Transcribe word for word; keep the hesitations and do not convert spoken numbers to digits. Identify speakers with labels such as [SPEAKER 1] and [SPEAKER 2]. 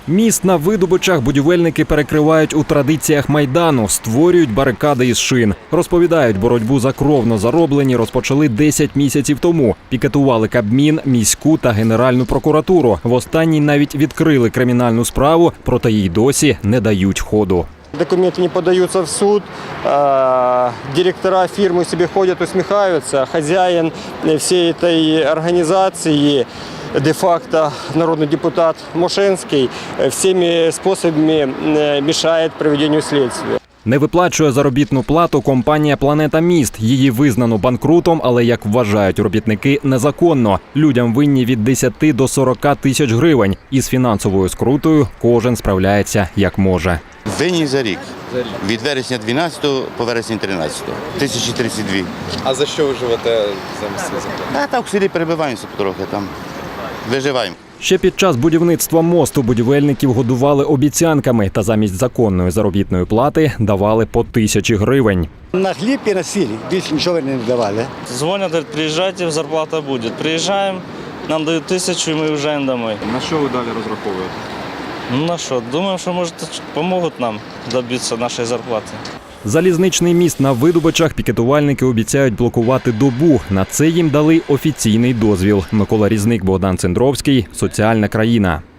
[SPEAKER 1] Міст на Видобичах будівельники перекривають у традиціях Майдану, створюють барикади із шин. Розповідають, боротьбу за кровно зароблені розпочали десять місяців тому. Пікетували Кабмін, міську та Генеральну прокуратуру. В останній навіть відкрили кримінальну справу, проте їй досі не дають ходу.
[SPEAKER 2] Документы не подаются в суд, директора фирмы себе ходят, усмехаются, хозяин всей этой организации, де-факто народный депутат Мошенский, всеми способами мешает проведению следствия.
[SPEAKER 1] Не виплачує заробітну плату компанія «Планета Міст». Її визнано банкрутом, але, як вважають робітники, незаконно. Людям винні від десяти до сорока тисяч гривень. Із фінансовою скрутою кожен справляється як може.
[SPEAKER 3] Винні за рік. Від вересня дванадцятого по вересень тринадцятого. тисяча тридцять два.
[SPEAKER 4] А за що ви живете замість цього?
[SPEAKER 3] А так в селі перебиваємося потрохи там. Виживаємо.
[SPEAKER 1] Ще під час будівництва мосту будівельників годували обіцянками та замість законної заробітної плати давали по тисячі гривень.
[SPEAKER 5] На хліб і на сіль, більше нічого не давали.
[SPEAKER 6] Дзвонять, говорять, приїжджайте, зарплата буде. Приїжджаємо, нам дають тисячу і ми виїжджаємо домой.
[SPEAKER 4] На що ви далі розраховуєте?
[SPEAKER 6] Ну на що, думаємо, що може допоможуть нам добитися нашої зарплати.
[SPEAKER 1] Залізничний міст на Видобичах пікетувальники обіцяють блокувати добу. На це їм дали офіційний дозвіл. Микола Різник, Богдан Цендровський. Соціальна країна.